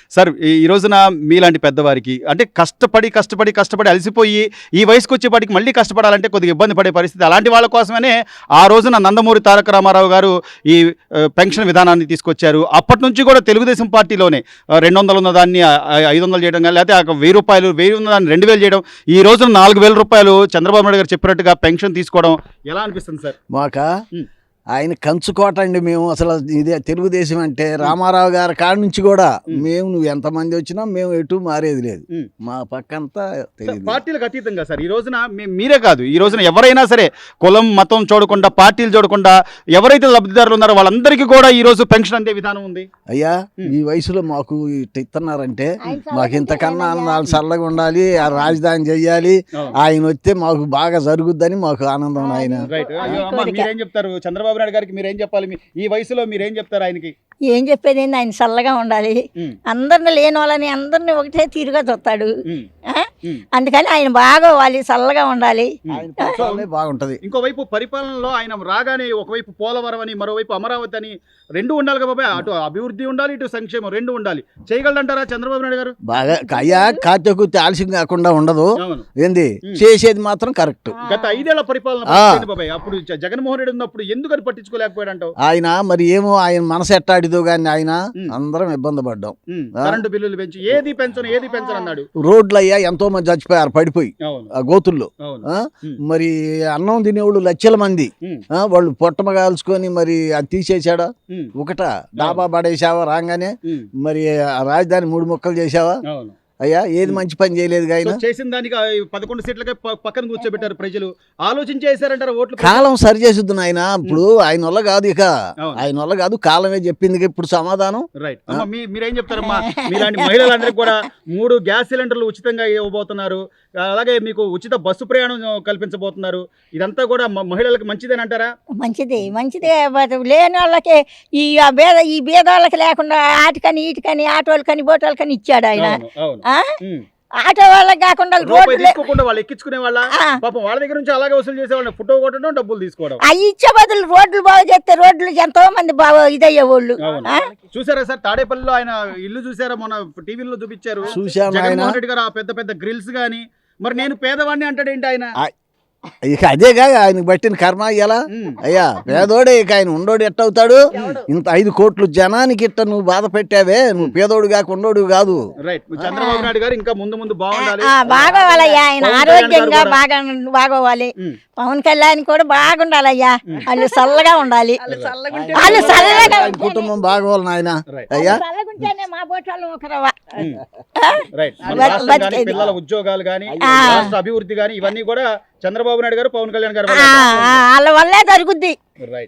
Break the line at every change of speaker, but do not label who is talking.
Sir ఈ రోజున మీలాంటి పెద్దవారికి అంటే కష్టపడి అలసిపోయి ఈ వయసుకు వచ్చేపాటికి మళ్ళీ కష్టపడాలంటే కొద్దిగా ఇబ్బంది పడే పరిస్థితి. అలాంటి వాళ్ళ కోసమనే ఆ రోజున నందమూరి తారక రామారావు గారు ఈ పెన్షన్ విధానాన్ని తీసుకొచ్చారు. అప్పటి నుంచి కూడా తెలుగుదేశం పార్టీలోనే 200 ఉన్న దాన్ని 500 చేయడం కానీ, లేకపోతే 1000 రూపాయలు 1000 ఉన్న దాన్ని 2000 చేయడం, ఈ రోజున 4000 రూపాయలు చంద్రబాబు నాయుడు గారు చెప్పినట్టుగా పెన్షన్ తీసుకోవడం ఎలా అనిపిస్తుంది సార్?
మాకా ఆయన కంచుకోట అండి. మేము అసలు ఇదే తెలుగుదేశం అంటే రామారావు గారి కాడ నుంచి కూడా మేము నువ్వు ఎంతమంది వచ్చినా మేము ఎటు మారేది లేదు. మా పక్కంతా తెలియదు.
పార్టీలకు అతీతంగా సార్ ఈ రోజున మీరే కాదు, ఈ రోజున ఎవరైనా సరే కులం మతం చూడకుండా, పార్టీలు చూడకుండా ఎవరైతే లబ్ధిదారులు ఉన్నారో వాళ్ళందరికీ కూడా ఈ రోజు పెన్షన్ అందే విధానం ఉంది.
అయ్యా ఈ వయసులో మాకు ఇస్తున్నారంటే మాకు ఇంతకన్నా నాలుగు చల్లగా ఉండాలి, ఆ రాజధాని చెయ్యాలి, ఆయన వస్తే మాకు బాగా జరుగుద్దని మాకు ఆనందం. ఆయన
మీరేం చెప్తారు చంద్రబాబు నాయుడు గారికి? మీరేం చెప్పాలి? ఈ వయసులో మీరేం చెప్తారు ఆయనకి?
ఏం చెప్పేది ఏంది, ఆయన చల్లగా ఉండాలి, అందరిని లేని వాళ్ళని అందరిని ఒకటే తీరుగా చూస్తాడు. అందుకని ఆయన బాగోవాలి, చల్లగా ఉండాలి,
బాగుంటది.
ఇంకోవైపు పరిపాలనలో ఆయన రాగానే ఒకవైపు పోలవరం అని, మరోవైపు అమరావతి అని రెండు ఉండాలి కదా బాబాయ్. అటు అభివృద్ధి ఉండాలి, ఇటు సంక్షేమం రెండు ఉండాలి. చేయగలరంటారా చంద్రబాబు నాయుడు గారు?
బాగా అయ్యా కాచకుర్తి ఆలస్యం కాకుండా ఉండదు. ఏంది చేసేది మాత్రం కరెక్ట్.
గత 5 ఏళ్ల పరిపాలన బాబాయ్, అప్పుడు జగన్మోహన్ రెడ్డి ఉన్నప్పుడు ఎందుకని పట్టించుకోలేకపోయాడంటావు?
ఆయన మరి ఏమో ఆయన మనసు ఎట్టాడిదో గాని ఆయన అందరం ఇబ్బంది పడ్డాం.
కరెంటు బిల్లులు పెంచి ఏది పెంచను అన్నాడు.
రోడ్లు అయ్యా ఎంతో మంది చచ్చిపోయారు పడిపోయి ఆ గోతుల్లో. మరి అన్నం తినేవాళ్ళు లక్షల మంది, వాళ్ళు పొట్టమగాల్చుకొని మరి అది తీసేసాడా? ఒకట డాబా పడేసావా రాగానే? మరి రాజధాని 3 ముక్కలు చేసావా? అయ్యా ఏది మంచి పని చేయలేదు. ఆయన
చేసిన దానికి 11 సీట్లకే పక్కన కూర్చోబెట్టారు ప్రజలు. ఆలోచించేసారంటారు ఓట్లు.
కాలం సరి చేస్తుంది ఆయన. ఇప్పుడు ఆయన వల్ల కాదు, ఇక ఆయన వల్ల కాదు, కాలమే చెప్పింది ఇప్పుడు సమాధానం.
రైట్. మీరేం చెప్తారమ్మా? మీలాంటి మహిళలందరికీ కూడా 3 గ్యాస్ సిలిండర్లు ఉచితంగా ఇవ్వబోతున్నారు, అలాగే మీకు ఉచిత బస్సు ప్రయాణం కల్పించబోతున్నారు. ఇదంతా కూడా మహిళలకు మంచిదేనంటారా?
మంచిదే లేని వాళ్ళకి ఈ బేదవాళ్ళకి లేకుండా ఆటకని ఈటకని ఆటోలకని బోటోలకని ఇచ్చాడు ఆయన. ఆటో వాళ్ళకి కాకుండా
వాళ్ళు ఎక్కించుకునే వాళ్ళ పాపం వాళ్ళ దగ్గర నుంచి అలాగే వసూలు చేసేవాళ్ళు, ఫోటో కొట్టడం, డబ్బులు తీసుకోవడం.
అవి ఇచ్చే బదులు రోడ్లు బాగు చేస్తే రోడ్లు ఎంతో మంది బాగా ఇదయ్యే వాళ్ళు.
చూసారా సార్ తాడేపల్లిలో ఆయన ఇల్లు చూసారా? మొన్న టీవీలో చూపించారు జగన్మోహన్ రెడ్డి గారు. ఆ పెద్ద పెద్ద గ్రిల్స్ గానీ. మరి నేను పేదవాడిని అంటాడేంటి ఆయన?
ఇక అదేగా ఆయనకు బట్టిన కర్మ అయ్యాలా? అయ్యా పేదోడే, ఇక ఆయన ఉండోడు ఎట్టవుతాడు? ఇంత 5 కోట్లు జనానికి ఇట్ట నువ్వు బాధ పెట్టావే, నువ్వు పేదోడు కాక ఉండోడు కాదు.
చంద్రబాబు నాయుడు గారు ఇంకా ముందు బాగుండాలి,
బాగోవాలయ్యా, ఆయన ఆరోగ్యంగా బాగోవాలి. పవన్ కళ్యాణ్ కూడా బాగుండాలయ్యా, వాళ్ళు చల్లగా ఉండాలి, వాళ్ళు చల్లగా
కుటుంబం బాగోవాలి నాయన. అయ్యా
మా బోటాలు ఒకరవా
పిల్లల ఉద్యోగాలు గానీ, రాష్ట్ర అభివృద్ధి గానీ ఇవన్నీ కూడా చంద్రబాబు నాయుడు గారు, పవన్ కళ్యాణ్ గారు
వాళ్ళ వల్లే జరుగుద్ది.
రైట్.